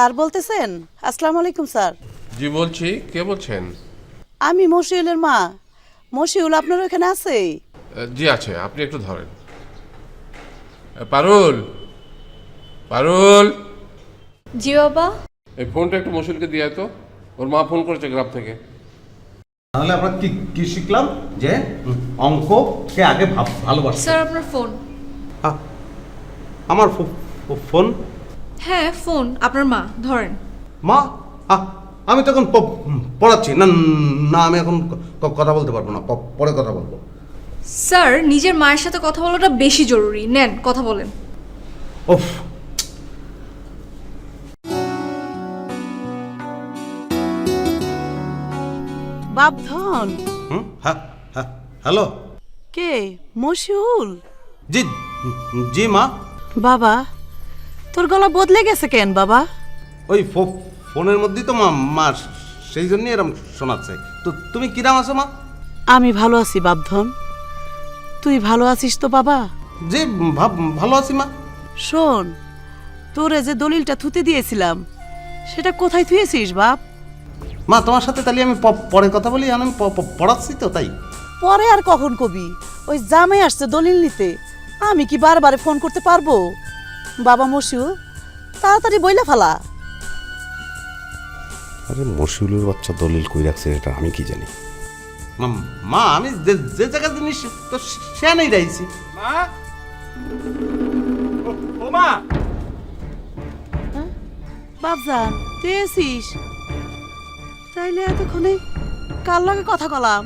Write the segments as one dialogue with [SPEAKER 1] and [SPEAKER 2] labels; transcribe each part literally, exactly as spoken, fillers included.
[SPEAKER 1] Sir বলতেছেন? আসসালামু আলাইকুম স্যার।
[SPEAKER 2] জি বলছি, কে বলছেন?
[SPEAKER 1] আমি মশিউলের মা। মশিউল আপনার ওখানে আছে?
[SPEAKER 2] জি আছে, আপনি একটু ধরেন। পারুল, পারুল,
[SPEAKER 3] জি বাবা।
[SPEAKER 2] এই ফোনটা একটু মশুলকে দিয়ে তো, ওর মা ফোন করেছে গ্রাম থেকে।
[SPEAKER 4] তাহলে আমরা কি কি শিখলাম যে অঙ্ক সে আগে ভাব ভালোবাসে।
[SPEAKER 3] স্যার আপনার ফোন।
[SPEAKER 4] আ- আমার ফো- ফো- ফোন
[SPEAKER 3] হ্যাঁ ফোন, আপনার মা ধরেন।
[SPEAKER 4] মা আ- আমি তখন প- পড়াচ্ছি না না আমি এখন ক- কথা বলতে পারবো না, প- পরে কথা বলবো।
[SPEAKER 3] স্যার নিজের মায়ের সাথে কথা বলাটা বেশি জরুরি, নেন কথা বলেন।
[SPEAKER 4] ওফ,
[SPEAKER 1] বাপধন।
[SPEAKER 4] হুম হ্যাঁ হ্যাঁ হ্যালো,
[SPEAKER 1] কে? মশিউল?
[SPEAKER 4] জি জি মা।
[SPEAKER 1] বাবা, তোর গলা বদলে গেছে কেন বাবা?
[SPEAKER 4] ওই ফো- ফোনের মধ্যেই তো মা মা সেই জন্যই এরকম শোনাচ্ছে। তো তুমি কিরাম আছো মা?
[SPEAKER 1] আমি ভালো আছি বাপধন। তুই ভালো আছিস তো বাবা?
[SPEAKER 4] জি ভাব ভালো আছি মা।
[SPEAKER 1] শোন, তোরে যে দলিলটা থুতে দিয়েছিলাম সেটা কোথায় থুয়েছিস বাপ?
[SPEAKER 4] মা তোমার সাথে তাহলে আমি প- পরে কথা বলি, আমি প- প- পড়াচ্ছি তো তাই।
[SPEAKER 1] পরে আর কখন কবি? ওই জামাই আসছে দলিল নিতে, আমি কি বারবারে ফোন করতে পারবো? বাবা মশিউল, তাড়াতাড়ি বইলা ফেলা।
[SPEAKER 5] আরে মশিউলের বাচ্চা দলিল কই রাখছে এটা আমি কি জানি।
[SPEAKER 4] মা- মা আমি যে যে জায়গার জিনিস তো সে নেই রাইছি।
[SPEAKER 6] মা ও ও মা
[SPEAKER 1] বাপজান, তুই এসিস? তাইলে এতক্ষণে কার লগে কথা কলাম?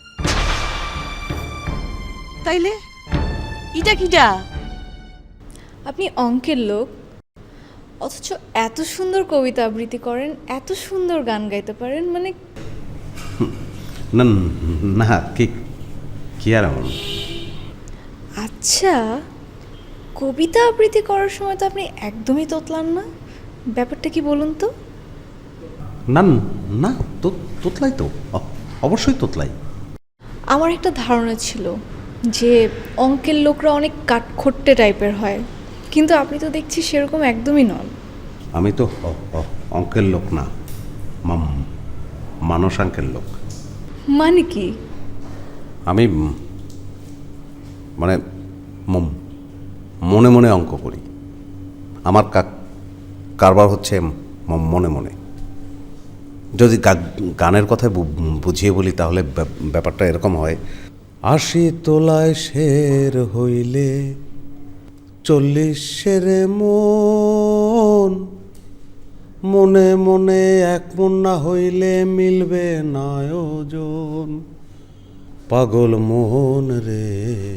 [SPEAKER 1] তাইলে ইটা কিটা?
[SPEAKER 3] আপনি অঙ্কের লোক, অথচ এত সুন্দর কবিতা আবৃত্তি করেন, এত সুন্দর গান গাইতে পারেন, মানে
[SPEAKER 4] না না কি কি আর এমন?
[SPEAKER 3] আচ্ছা, কবিতা আবৃত্তি করার সময় তো আপনি একদমই তোতলান না, ব্যাপারটা কি বলুন তো?
[SPEAKER 4] না না তো তোতলাই তো, অ- অবশ্যই তোতলাই।
[SPEAKER 3] আমার একটা ধারণা ছিল যে অঙ্কের লোকরা অনেক কাঠখোট্টে টাইপের হয়, কিন্তু আপনি তো দেখছি সেরকম একদমই নন।
[SPEAKER 4] আমি তো অ- অ- অঙ্কের লোক না, মাম- মানসাঙ্কের লোক।
[SPEAKER 3] মানে কি?
[SPEAKER 4] আমি উম, মানে ম- মনে মনে অঙ্ক করি। আমার কা- কারবার হচ্ছে ম- মনে মনে। যদি গা- গানের কথায় বু- বুঝিয়ে বলি তাহলে ব্যাপ- ব্যাপারটা এরকম হয়। আশি তোলায় শের হইলে চল্লিশ শেরে মন, মনে মনে এক মন না হইলে মিলবে না ওজন। পাগল মোহন রে,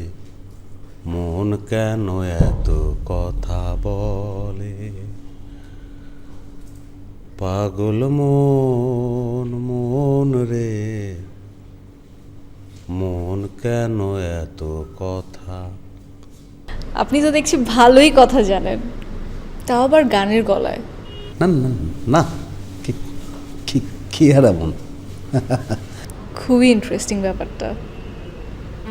[SPEAKER 4] মন কেন এত কথা বলে? পাগল মন মন রে, মন কেন এত কথা?
[SPEAKER 3] আপনি তো দেখছি ভালোই কথা জানেন, তাও আবার গানের গলায়।
[SPEAKER 4] না না না কি কি কি আর এমন?
[SPEAKER 3] খুবই ইন্টারেস্টিং ব্যাপারটা।